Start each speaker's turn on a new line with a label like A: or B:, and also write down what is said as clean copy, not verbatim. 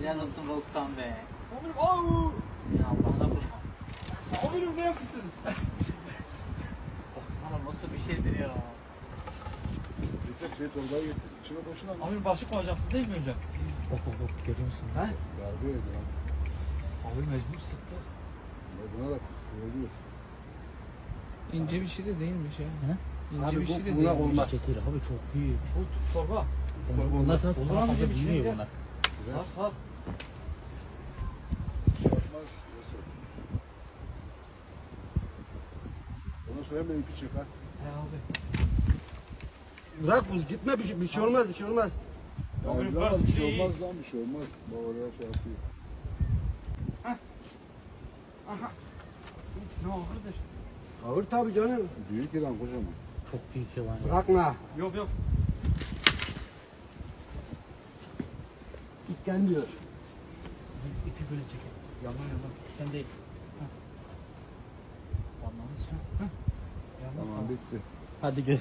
A: Yanılsın Rostam be.
B: Amirim auu.
A: Seni Allah'ına vurma.
B: Amirim ne yapıyorsunuz?
A: Baksana nasıl bir şeydir ya.
C: Şey torbayı getir. İçine boşuna mı?
B: Amirim başlık mı alacaksınız değil mi önce?
A: Bak görüyor musun?
B: He?
C: Darbe yedi lan.
B: Abi mecbur sıktı.
C: Buna da oluyor.
D: İnce bir şey de değilmiş ya.
A: He?
D: İnce
C: Abi
D: bir şey de
C: buna
D: değilmiş.
C: olmaz.
A: Çetir abi çok büyük.
B: Bu torba.
A: Bunlar sana
B: Olur
A: daha
B: mu
A: fazla
B: bizim için
A: büyümüyor
B: ya?
A: bunlar.
B: Sar sar.
C: Yapmaz. Nasıl? Ondan sonra hemen ipi çık ha.
B: He abi.
E: Bırak bu gitme bir şey olmaz bir şey olmaz.
C: Ya
B: Amirim,
C: ama
B: biraz
C: bir şey
B: iyi.
C: olmaz lan bir şey olmaz. Bak oraya şey yapıyor.
B: Ne ağırdır?
E: Ağır tabii canım.
C: Büyük ilan kocaman.
A: Çok büyük yılan ya.
E: Bırakma.
B: Yok yok.
E: Gitten diyor.
A: İpi böyle çekin. Yandan yandan. Sen değil. Heh. Anladın mı?
C: Tamam bitti.
A: Hadi göz.